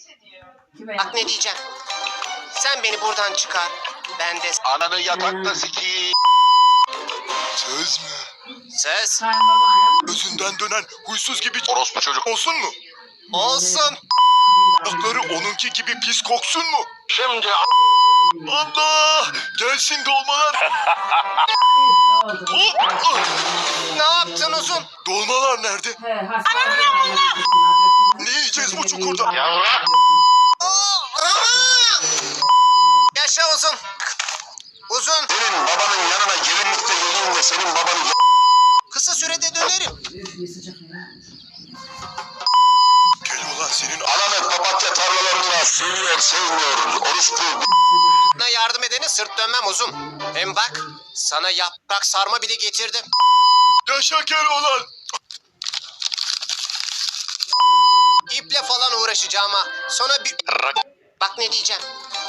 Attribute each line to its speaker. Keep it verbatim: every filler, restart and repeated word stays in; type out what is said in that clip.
Speaker 1: Bak ne diyeceğim. Sen beni buradan çıkar. Ben de
Speaker 2: Ananı yatakta sikiyim.
Speaker 3: Söz mü?
Speaker 1: söz
Speaker 3: Gözünden dönen huysuz gibi
Speaker 2: Orospu çocuk.
Speaker 3: olsun mu?
Speaker 1: olsun.
Speaker 3: Ayakları onunki gibi pis koksun mu?
Speaker 2: Şimdi
Speaker 3: Allah! Gelsin dolmalar.
Speaker 1: Ne yaptın uzun?
Speaker 3: Dolmalar nerede? Ne yiyeceğiz bu çukurda?
Speaker 2: yavrum.
Speaker 1: Aa, aa! Yaşa uzun. Uzun.
Speaker 2: Senin babanın yanına gelinlikte geleyim de senin babanı
Speaker 1: Kısa sürede dönerim.
Speaker 3: Gel ulan senin
Speaker 2: ananı papatya tarlalarında seviyor sevmiyor. Orospu.
Speaker 1: Bana yardım edene sırt dönmem uzun. Hem bak sana yaprak sarma bile getirdim.
Speaker 3: yaşa Keloğlan.
Speaker 1: İple falan uğraşacağım ha. Sonra bir... Bak ne diyeceğim.